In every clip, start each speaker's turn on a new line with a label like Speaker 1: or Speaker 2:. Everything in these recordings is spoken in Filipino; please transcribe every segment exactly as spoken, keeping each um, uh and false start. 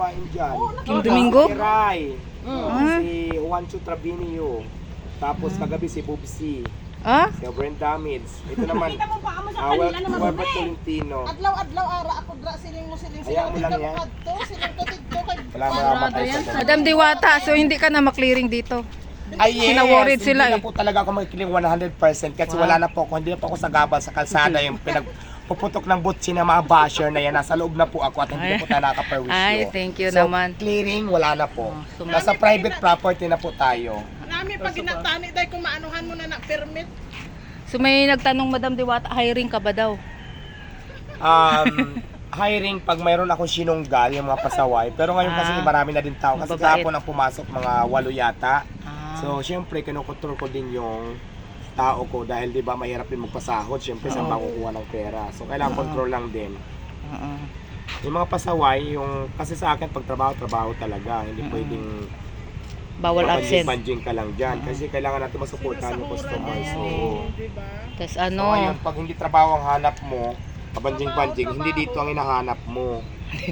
Speaker 1: kumain dyan.
Speaker 2: King Domingo?
Speaker 1: Si Rai.
Speaker 2: Mm.
Speaker 1: Oh,
Speaker 2: Ah.
Speaker 1: si Juancho Trabinio. Tapos kagabi si Bubsy.
Speaker 2: Ah?
Speaker 1: Si Brenda Mids. Ito naman.
Speaker 3: Kita mo pa amo sa
Speaker 1: Ah, well,
Speaker 3: kanila naman
Speaker 1: Weber
Speaker 3: eh.
Speaker 1: Tolentino.
Speaker 3: Adlaw-adlaw ara ako dra siling mo siling
Speaker 1: Hayaan mo lang yan.
Speaker 3: kadto siling to tidto kay.
Speaker 1: Wala mamamatay sa dyan.
Speaker 2: Madam Diwata, so hindi ka na maklearing dito.
Speaker 1: Ay yes,
Speaker 2: Sinaworried sila
Speaker 1: hindi
Speaker 2: eh.
Speaker 1: na po talaga ako magkiling one hundred percent kasi
Speaker 2: Wow.
Speaker 1: wala na po ako, hindi na po ako sa gabal sa kalsada yung pinagpuputok ng butsi ng mga basher na yan. Nasa loob na po ako at hindi na po tayo nakaperwisyo.
Speaker 2: Ay, thank you
Speaker 1: So,
Speaker 2: naman.
Speaker 1: clearing, wala na po.
Speaker 2: Oh, so-
Speaker 1: Nasa private property na po tayo.
Speaker 3: Nami pag ginatani dai kung maanuhan mo na na permit.
Speaker 2: So may nagtanong Madam Diwata, hiring ka ba daw?
Speaker 1: Um, hiring pag mayroon akong sinunggal, yung mga pasaway. Pero ngayon kasi
Speaker 2: Ah,
Speaker 1: marami na din tao. Kasi
Speaker 2: mababait.
Speaker 1: kahapon ang pumasok mga walo yata.
Speaker 2: Ah.
Speaker 1: So, syempre, kinukontrol ko din yung tao ko dahil di ba mahirap din magpasahod. Syempre, saan
Speaker 2: Oo.
Speaker 1: ba kukuha ng pera? So, kailangan
Speaker 2: Oo.
Speaker 1: control lang din.
Speaker 2: Oo.
Speaker 1: Yung mga pasaway, yung kasi sa akin pag trabaho, trabaho talaga. Hindi
Speaker 2: Mm.
Speaker 1: pwedeng
Speaker 2: Bawal absent.
Speaker 1: banjing ka lang dyan. Kasi kailangan natin masuportahan yung customer. So,
Speaker 3: di ba?
Speaker 2: Tapos
Speaker 1: so
Speaker 2: ano,
Speaker 1: ngayon, pag hindi trabaho ang hanap mo, kabanjing-banjing, hindi dito ang hinahanap mo.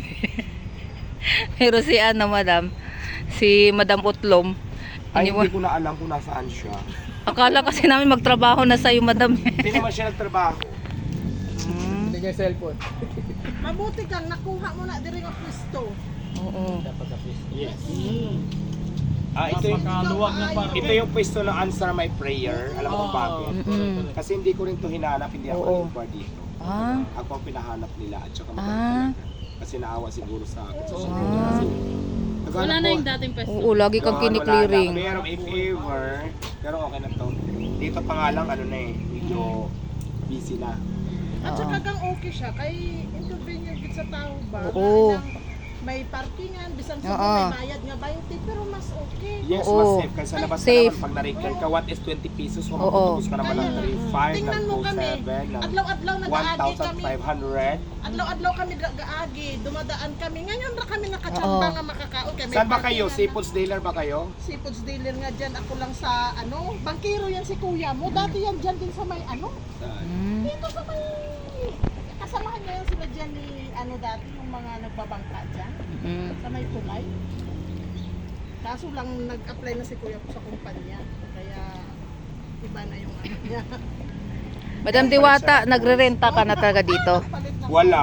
Speaker 2: pero si ano Madam, si Madam Utlom,
Speaker 1: Ay,
Speaker 2: iniwan-
Speaker 1: hindi ko na alam kung nasaan siya.
Speaker 2: akala kasi namin magtrabaho na sa'yo Madam.
Speaker 1: Hindi naman siya nagtrabaho.
Speaker 2: Hmm.
Speaker 4: Hindi niya cellphone.
Speaker 3: Mabuti kang nakuha mo na diri nga pwesto.
Speaker 2: Oo.
Speaker 1: Yes. Ah, ito yung,
Speaker 4: Napakaluwag ng parang.
Speaker 1: ito yung pwesto ng Answer My Prayer. Alam mo kung bakit?
Speaker 2: Mm-mm.
Speaker 1: Kasi hindi ko rin to hinanap, hindi ako
Speaker 2: Oo.
Speaker 1: nag-inquire dito.
Speaker 2: Ah.
Speaker 1: Ako ang pinahanap nila at saka
Speaker 2: Ah.
Speaker 1: maganda talaga. Kasi naawa siguro sa akin. So,
Speaker 2: Ah.
Speaker 1: kasi,
Speaker 5: Wala na yung dating pesto.
Speaker 2: Oo, lagi kang kiniklearing.
Speaker 1: Pero if ever, pero okay na to. Dito pa nga lang, ano na eh, medyo busy na.
Speaker 3: At
Speaker 2: Oo.
Speaker 3: saka kang okay siya kay inconvenient gid sa tao ba?
Speaker 2: Oo.
Speaker 3: Kailang may parkingan bisan sa
Speaker 2: Oo.
Speaker 3: may bayad nga twenty pero mas okay.
Speaker 1: Yes,
Speaker 2: Oo.
Speaker 1: mas safe. Kasi sa labas ka
Speaker 2: Safe.
Speaker 1: naman, pag na-recur ka, what is twenty pesos? Kung
Speaker 2: Oo.
Speaker 1: magtutubos ka naman ng
Speaker 3: Kaya,
Speaker 1: three five, ng
Speaker 3: tingnan mo
Speaker 1: two
Speaker 3: kami.
Speaker 1: seven, ng
Speaker 3: Adlaw-adlaw
Speaker 1: one
Speaker 3: nag-aagi
Speaker 1: thousand
Speaker 3: kami.
Speaker 1: five hundred.
Speaker 3: Adlaw-adlaw kami nag-aagi, dumadaan kami. Ngayon ra kami nakachamba
Speaker 2: Oo.
Speaker 3: nga makakaon kay may
Speaker 1: Saan ba kayo?
Speaker 3: parkingan
Speaker 1: Seafoods dealer ba kayo?
Speaker 3: na- Seafoods dealer nga dyan. Ako lang sa ano, bangkero yan si kuya mo. Dati yan dyan din sa may ano.
Speaker 2: Hmm.
Speaker 3: Dito sa may kasamahan niya yan sila dyan ni ano dati yung mga nagbabangka dyan.
Speaker 2: Mm.
Speaker 3: Sa may tulay. Kaso lang nag-apply na si kuya ko sa kumpanya. Kaya iba na yung ano niya.
Speaker 2: Madam Diwata, nagre-renta ka na talaga dito.
Speaker 3: Palit na-
Speaker 1: Wala.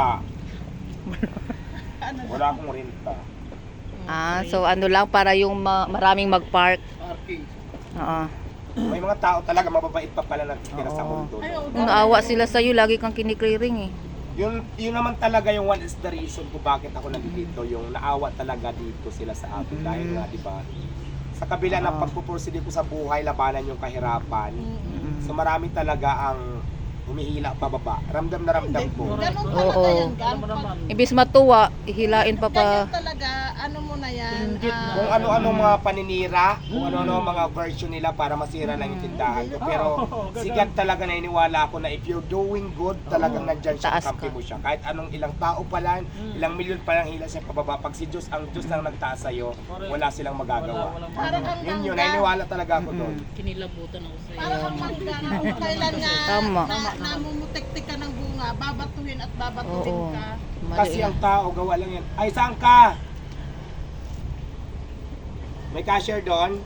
Speaker 3: Ano,
Speaker 1: Wala akong renta.
Speaker 2: Ah, so ano lang para yung ma- maraming mag-park.
Speaker 1: Parking.
Speaker 2: Oo.
Speaker 1: May mga tao talaga mababait pa pala natitira sa
Speaker 2: Oo.
Speaker 1: mundo.
Speaker 3: Ay, oo,
Speaker 2: Kung naawa sila sa'yo, lagi kang kiniklearing eh.
Speaker 1: Yun, yun naman talaga yung one is the reason kung bakit ako nandito. Yung naawa talaga dito sila sa akin.
Speaker 2: Mm.
Speaker 1: Dahil nga, di ba? Sa kabila ng
Speaker 2: Oo.
Speaker 1: pagpupursige ko sa buhay, labanan yung kahirapan.
Speaker 2: Mm.
Speaker 1: So marami talaga ang humihila pababa. Ramdam na ramdam ko.
Speaker 3: Ganun talaga
Speaker 2: Oo.
Speaker 3: yan, Gan.
Speaker 4: Alam mo naman.
Speaker 2: Ibis matuwa, ihilain pa pa.
Speaker 3: Ganyan talaga, ano mo na yan.
Speaker 4: Inggit
Speaker 3: ah,
Speaker 1: Kung ano-ano mga paninira, kung ano-ano mga version nila para masira lang yung tindahan ko. Pero sigat talaga naniniwala ako na if you're doing good, talagang nandyan siya,
Speaker 2: Taas
Speaker 1: kampi
Speaker 2: ka.
Speaker 1: mo siya. Kahit anong ilang tao pa lang, ilang milyon pa lang hila siya pababa. Pag si Diyos, ang Diyos lang nagtaas sa'yo, wala silang magagawa.
Speaker 3: Para kang
Speaker 1: Yun yun,
Speaker 3: mangga.
Speaker 1: naniniwala talaga ako doon.
Speaker 5: Kinilabutan ako sa'yo.
Speaker 3: Para kang mangga na kung kailan nga
Speaker 2: Tama.
Speaker 3: na, namumutik-tik ka ng bunga, babatuhin at babatuhin
Speaker 2: Oo.
Speaker 3: ka.
Speaker 2: Mali
Speaker 1: Kasi
Speaker 2: yan.
Speaker 1: ang tao, gawa lang yan. Ay, saan ka? May cashier doon?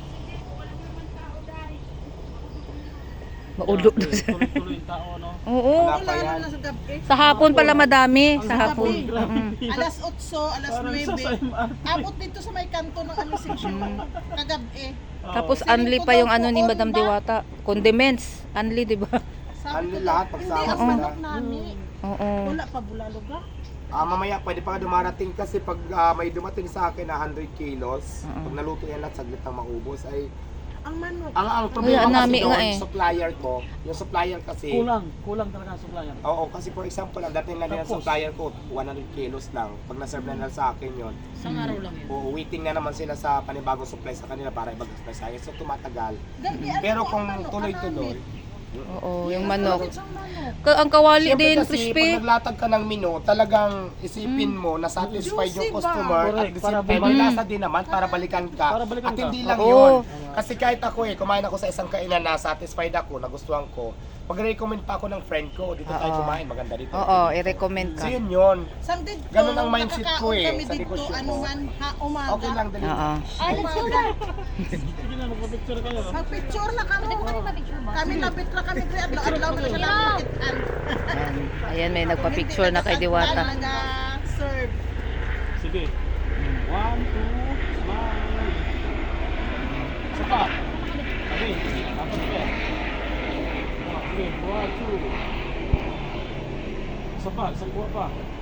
Speaker 2: Maulo doon.
Speaker 4: Tuloy-tuloy yung tao, no?
Speaker 2: Oo.
Speaker 1: Wala pa
Speaker 3: Wala
Speaker 1: yan.
Speaker 3: na lang sa gabi.
Speaker 2: Sa hapon pala madami. Sa
Speaker 3: Sa
Speaker 2: hapon.
Speaker 3: gabi.
Speaker 2: Mm.
Speaker 3: Alas otso, alas
Speaker 4: Parang isa sa
Speaker 3: nuwebe.
Speaker 4: M R T.
Speaker 3: Abot dito sa may kanto ng ano section. Kagabi.
Speaker 2: Tapos
Speaker 3: Siling
Speaker 2: unli
Speaker 3: ko
Speaker 2: pa
Speaker 3: daw
Speaker 2: yung ano ni
Speaker 3: poon
Speaker 2: Madam
Speaker 3: ba?
Speaker 2: Diwata. Condiments. Unli, di ba?
Speaker 3: Sabi
Speaker 1: Ano
Speaker 3: ko
Speaker 1: lahat,
Speaker 3: daw,
Speaker 1: pagsama
Speaker 3: Hindi, ang
Speaker 1: sila.
Speaker 3: manok namin.
Speaker 2: Oo.
Speaker 3: Wala pa bulalog ah.
Speaker 1: Ah, mamaya pwede pa ka dumarating kasi pag ah, may dumating sa akin na one hundred kilos,
Speaker 2: Oo.
Speaker 1: pag naluto yan at saglit na maubos ay
Speaker 3: Ang manok.
Speaker 1: ang ang problema
Speaker 2: Wala,
Speaker 1: kasi
Speaker 2: nami
Speaker 1: doon,
Speaker 2: nga eh.
Speaker 1: supplier ko, yung supplier kasi
Speaker 4: Kulang. Kulang talaga ang supplier.
Speaker 1: Oo, kasi for example, ang dating lang din ang
Speaker 4: Tapos?
Speaker 1: supplier ko, one hundred kilos lang. Pag na-serve na nila sa akin yon,
Speaker 5: Isang araw lang yun.
Speaker 1: o waiting na naman sila sa panibagong supply sa kanila para ibag-supply sa akin. So tumatagal.
Speaker 3: Gabi, ano
Speaker 1: Pero
Speaker 3: ang
Speaker 1: kung
Speaker 3: manok,
Speaker 1: tuloy-tuloy,
Speaker 2: Oo, yung manok.
Speaker 3: Bakit siyang manok?
Speaker 2: Ka- ang kawali
Speaker 1: siyempre
Speaker 2: din,
Speaker 1: kasi
Speaker 2: crispy.
Speaker 1: pag naglatag ka ng menu, talagang isipin mo na satisfied yung
Speaker 3: Juicy ba?
Speaker 1: customer at
Speaker 4: Correct,
Speaker 1: the
Speaker 4: para
Speaker 1: same time,
Speaker 4: bumalik.
Speaker 1: may lasa din naman para balikan ka.
Speaker 4: Para balikan
Speaker 1: At
Speaker 4: ka.
Speaker 1: hindi lang
Speaker 2: Oo.
Speaker 1: yun. Kasi kahit ako eh, kumain ako sa isang kainan na satisfied ako, nagustuhan ko, Pag-recommend pa ako ng friend ko, dito tayo
Speaker 2: Oo.
Speaker 1: kumain, maganda dito.
Speaker 2: Oo, i-recommend ka.
Speaker 1: So yun yun.
Speaker 3: Sam dito,
Speaker 1: Ganun ang mindset ko eh,
Speaker 3: kami
Speaker 1: sa
Speaker 3: dito,
Speaker 1: negosyo
Speaker 3: ano
Speaker 1: ko.
Speaker 3: man, ha, umaga.
Speaker 1: Okay lang, dali.
Speaker 2: Oo.
Speaker 3: Ay, let's go na.
Speaker 4: Sige na, magpa-picture kayo. no?
Speaker 3: Mag-picture na kami. Kami labit na kami. Kaya adlaw-adlaw na siya lang makitaan.
Speaker 2: Ayan. Ayan, may nagpa-picture na kay Diwata.
Speaker 3: Nag-serve.
Speaker 4: Sige. One, two, smile. Isa pa. Sabi, dapat ka. Sige, one, two. Isa pa, isang kuha pa.